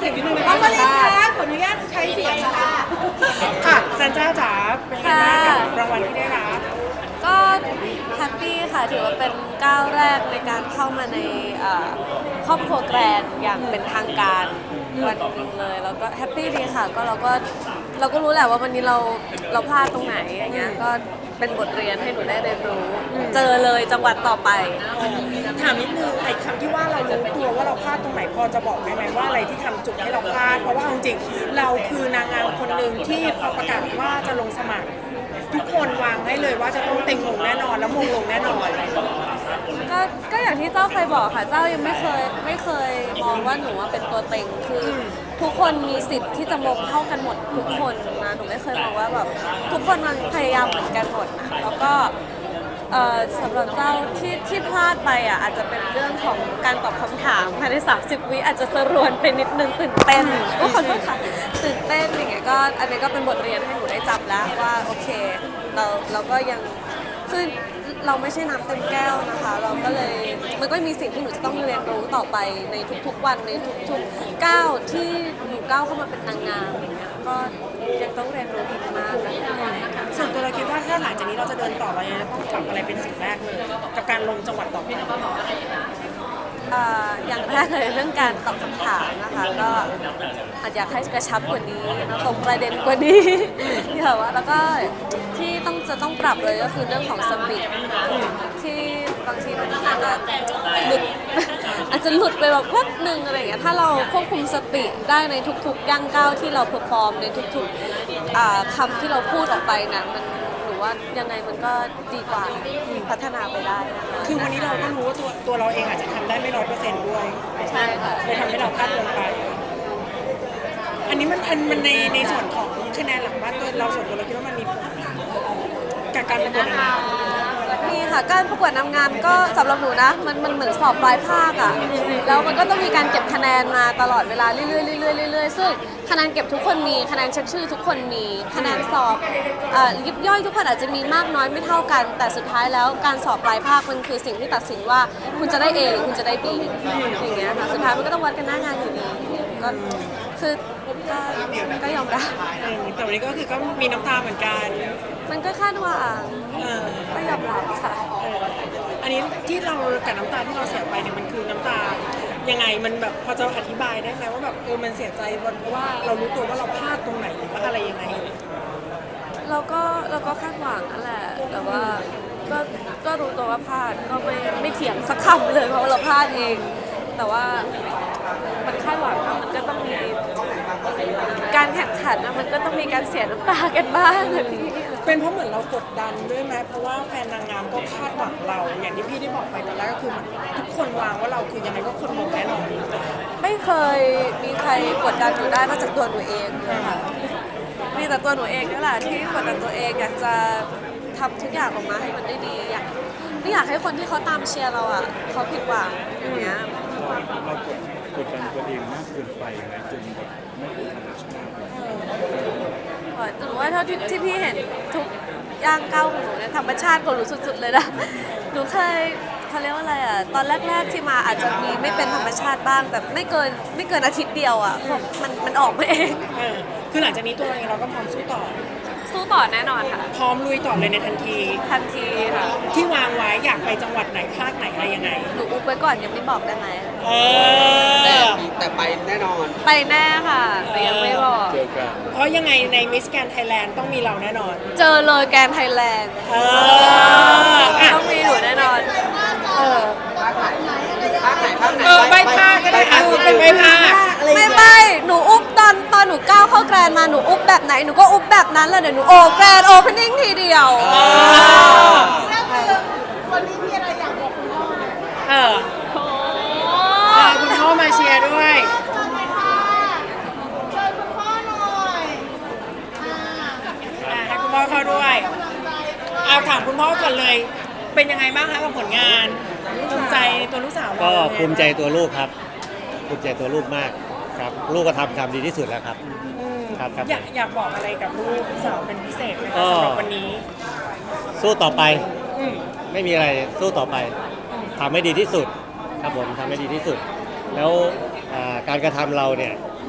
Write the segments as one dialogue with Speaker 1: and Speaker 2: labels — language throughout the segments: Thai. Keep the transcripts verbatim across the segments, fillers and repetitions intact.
Speaker 1: เสียงนิดนึงนะ
Speaker 2: น้อง
Speaker 1: คะ
Speaker 2: มาลินคะขออนุญาตใช้เสียงนะคะ
Speaker 1: ค่ะจันจ้าจ๋าเป็นไงบ้างกับรางวัลที่ได้รับ
Speaker 3: ก็แฮปปี้ค่ะถือว่าเป็นก้าวแรกในการเข้ามาในเอ่อครอบครัวแกรนด์อย่างเป็นทางการวันหนึงเลยแล้วก็แฮปปี้ดีค่ะก็เราก็เราก็รู้แหละว่าวันนี้เราเราพลาดตรงไหนอย่างเงี้ยก็เป็นบทเรียนให้หนูได้เรียนรู้ เจอเลยจังหวัดต่อไป
Speaker 1: ถามนิดนึงไอ้คำที่ว่าเรารู้ตัวว่าเราพลาดตรงไหนพอจะบอกได้ไหมว่าอะไรที่ทำจุดให้เราพลาดเพราะว่าเอาจริงๆเราคือนางงามคนหนึ่งที่พอประกาศว่าจะลงสมัคร ทุกคนวางให้เลยว่าจะต้องเต็งลงแน่นอนแล้วมงลงแน่นอน
Speaker 3: ก็ก็อย่างที่เจ้าเคยบอกค่ะเจ้ายังไม่เคยไม่เคยมองว่าหนูว่าเป็นตัวเต็งคือทุกคนมีสิทธิ์ที่จะมงเท่ากันหมดทุกคนนะหนูไม่เคยมองว่าแบบทุกคนมันพยายามเหมือนกันหมดนะแล้วก็เอ่อสำหรับเจ้าที่ที่พลาดไปอ่ะอาจจะเป็นเรื่องของการตอบคำถามภายในสามสิบวิอาจจะสรวนไปนิดนึงตื่นเต้นก็ขอโทษค่ะตื่นเต้นอย่างเงี้ยก็อันนี้ก็เป็นบทเรียนให้หนูได้จับแล้วว่าโอเคเราเราก็ยังคือเราไม่ใช่น้ำเต็มแก้วนะคะ เราก็เลยมันก็มีสิ่งที่หนูจะต้องเรียนรู้ต่อไปในทุกๆวันในทุกๆก้าวที่หนูก้าวเข้ามาเป็นนางงามอย่างเงี้ยก็ยังต้องเรียนรู้อีกมากนะคะ
Speaker 1: ส่วนตัวเราคิดว่าถ้าหลังจากนี้เราจะเดินต่อเราจะต้องปรับอะไรเป็นสิ่งแรกเลยกับการลงจังหวัดต่อไป
Speaker 3: เอ่ออย่างแรกเลยเรื่องการตอบคำถามนะคะก็อาจอยากให้กระชับกว่านี้นะตรงประเด็นกว่านี้ ที่แบบว่าแล้วก็ที่ต้องจะต้องปรับเลยก็คือเรื่องของสปีดที่บางทีมันอาจจะหลุด อาจจะหลุดไปแบบแป๊บหนึ่งอะไรอย่างเงี้ยถ้าเราควบคุมสปีดได้ในทุกๆย่างก้าวที่เราเพอร์ฟอร์มในทุกๆอ่าคำที่เราพูดออกไปนะมันหนูว่ายังไงมันก็ดีกว่าพัฒนาไปได้นะคะ
Speaker 1: คือวันนี้เราก็รู้ว่าตัวตัวเราเองอาจจะทำได้ไม่ร้อยเปอร์เซ็นต์ด้วย
Speaker 3: ใช่ค่ะ
Speaker 1: เลยทำให้เราพลาดลงไป อันนี้มันอันมันในในส่วนของคะแนนหลังบ้านตัวเราส่วนตัวเราคิดว่ามันมีผลกับการประกวดนางงาม
Speaker 3: มีค่ะการประกวดนางงามก็สำหรับหนูนะมันมันเหมือนสอบปลายภาคอะแล้วมันก็ต้องมีการเก็บคะแนนมาตลอดเวลาเรื่อยๆเรื่อยๆเรื่อยๆซึ่งคะแนนเก็บทุกคนมีคะแนนเช็คชื่อทุกคนมีคะแนนสอบเอ่อยิบย่อยทุกคนอาจจะมีมากน้อยไม่เท่ากัน แต่สุดท้ายแล้วการสอบปลายภาคมันคือสิ่งที่ตัดสินว่าคุณจะได้ A หรือคุณจะได้ B อย่างเงี้ยค่ะสุดท้ายมันก็ต้องวัดกันหน้างานอยู่ดีก็คือก็ก็ยอมรับ
Speaker 1: เออแต่วันนี้ก็คือก็มีน้ำตาเหมือนกัน
Speaker 3: มันก็คาดหวัง
Speaker 1: เออ
Speaker 3: ก็ยอมรับค่ะ
Speaker 1: เอออันนี้ที่เรากับน้ำตาที่เราเสียไปเนี่ยมันคือน้ำตายังไงมันแบบพอจะอธิบายได้ไหมว่าแบบเออมันเสียใจเพราะว่าเรารู้ตัวว่าเราพลาดตรงไหนหรือว่าอะไรยังไง
Speaker 3: เราก็เราก็คาดหวังนั่นแหละ แต่ว่าก็ก็รู้ตัวว่าพลาดก็ไม่ไม่เถียงสักคำเลยเพราะว่าเราพลาดเอง แต่ว่ามันคาดหวังนะมันก็ต้องมีการแข่งขันนะมันก็ต้องมีการเสียน้ำตากันบ้างนะพี่
Speaker 1: เป็นเพราะเหมือนเรากดดันด้วยไหมเพราะว่าแฟนนางงามก็คาดหวังเรา อย่างที่พี่ได้บอกไปตอนแรกก็คือมันทุกคนวางว่าเราคือยังไงก็คนมงแน่นอน
Speaker 3: ไม่เคยมีใครกดดันหนูได้นอกจากตัวหนูเองนะคะมีแต่ตัวหนูเองนี่แหละที่กดดันตัวเองอยากจะทำทุกอย่างออกมาให้มันได้ดีอยากไม่อยากให้คนที่เขาตามเชียร์เราอ่ะเขาผิดหวังอย่างเงี้ย
Speaker 4: เรากดกดดันตัวเองมากเกินไปไหมจนแบบไม่เป็นธรรมชาติเลย
Speaker 3: หนูว่าเท่าที่ที่พี่เห็นทุกย่างก้าวของหนูเนี่ยธรรมชาติของหนูสุดๆเลยนะหนูเคยเขาเรียกว่าอะไรอ่ะตอนแรกๆที่มาอาจจะมีไม่เป็นธรรมชาติบ้างแต่ไม่เกินไม่เกินอาทิตย์เดียวอ่ะมันมันออกมาเอง
Speaker 1: เออคือหลังจากนี้ตัวเราเองเราก็พร้อมสู้ต่อ
Speaker 3: สู้ต่อแน่นอนค่ะ
Speaker 1: พร้อมลุยต่อเลยในทันที
Speaker 3: ทันทีค่ะ
Speaker 1: ที่วางไว้อยากไปจังหวัดไหนภาคไหนอะไรยังไง
Speaker 3: หนูอุบไว้ก่อนยังไม่บอกได้ไหม
Speaker 1: เอ
Speaker 5: แต่
Speaker 1: อ
Speaker 5: แต่ไปแน่นอน
Speaker 3: ไปแน่ค่ะแต่ยังไม่บอก
Speaker 4: เจอกัน
Speaker 1: เพราะยังไงในมิสแกนไทยแลนด์ต้องมีเราแน่นอน
Speaker 3: เจอเลยแกรนด์ไทยแลนด์
Speaker 1: เอออ่ะ
Speaker 3: ต้องมีหนูแน่นอน
Speaker 1: เออ
Speaker 5: ภาคไหนภาคไหนภาคไหน
Speaker 1: เออใบภาคก็ได้อ่ะเป็นใบภาค
Speaker 3: ไม่ไม่หนูอุบตอนตอนหนูก้าวเข้าแกรนด์มาหนูอุบแบบไหนหนูก็อุบแบบนั้นเลยเดี๋ยวหนูโอแกรนด์โอเพนนิ่งทีเดียว
Speaker 1: เออ
Speaker 2: วันนี้มีอะไรอยากบอกคุณพ่อไหม
Speaker 1: เออเออคุณพ่อมาเชียร์ด้วย
Speaker 2: เชิญเลยค่ะเชิญคุณพ่อหน่อยอ่า
Speaker 1: อ่ะให้คุณพ่อเข้าด้วย
Speaker 2: กำลังใจด้วย
Speaker 1: เอาถามคุณพ่อก่อนเลย เป็นยังไงบ้างคะกับผลงานภูมิใจในตัวลูกสาวเรา
Speaker 6: ก็ภูมิใจตัวลูกครับภูมิใจตัวลูกมากครับ ลูกก็ทำทำดีที่สุดแล้วครับ
Speaker 1: อืม
Speaker 6: ครับครับ
Speaker 1: อยากอยากบอกอะไรกับลูกสาวเป็นพิเศษไหม
Speaker 6: ก็
Speaker 1: คะสำหรับวันนี้
Speaker 6: สู้ต่อไป
Speaker 1: อืม
Speaker 6: ไม่มีอะไรสู้ต่อไปทำให้ดีที่สุดครับผมทำให้ดีที่สุด แล้วอ่าการกระทำเราเนี่ย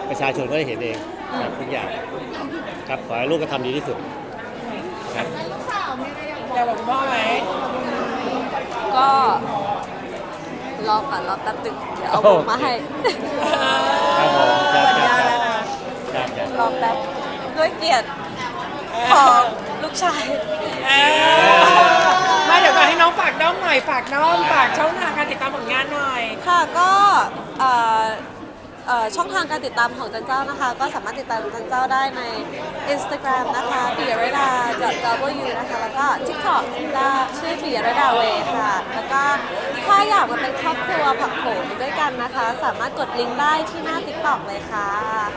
Speaker 6: ประชาชนก็ได้เห็นเองครับทุกอย่างครับขอให้ลูกก็ทำดีที่สุดครับ
Speaker 2: ลูกสาวมีอะไรอยากบอก
Speaker 1: อยากบอกคุณพ่อไหม
Speaker 3: ก็รอก่อนรอแป๊บนึงเดี๋ยวเอาบุกมาให้
Speaker 6: ครับผมครับ
Speaker 1: สัญ
Speaker 6: ครับ
Speaker 1: ญาแล้วนะ
Speaker 6: ครับครับ
Speaker 3: รอแป๊บด้วยเกียรติของลูกชาย
Speaker 1: เออมาเดี๋ยวก่อนให้น้องฝากน้องหน่อยฝากน้องฝากช่องทางการติดตามผลงานหน่อย
Speaker 3: ค่ะก็เอ่อเอ่อช่องทางการติดตามของจันเจ้านะคะ ก็สามารถติดตามจันเจ้าได้ใน Instagram นะคะปิยรดา .w นะคะแล้วก็ TikTok ก็ชื่อปิยรดาเวค่ะ แล้วก็ถ้าอยากมาเป็นครอบครัวผักโขมด้วยกันนะคะ สามารถกดลิงก์ได้ที่หน้า TikTok เลยค่ะ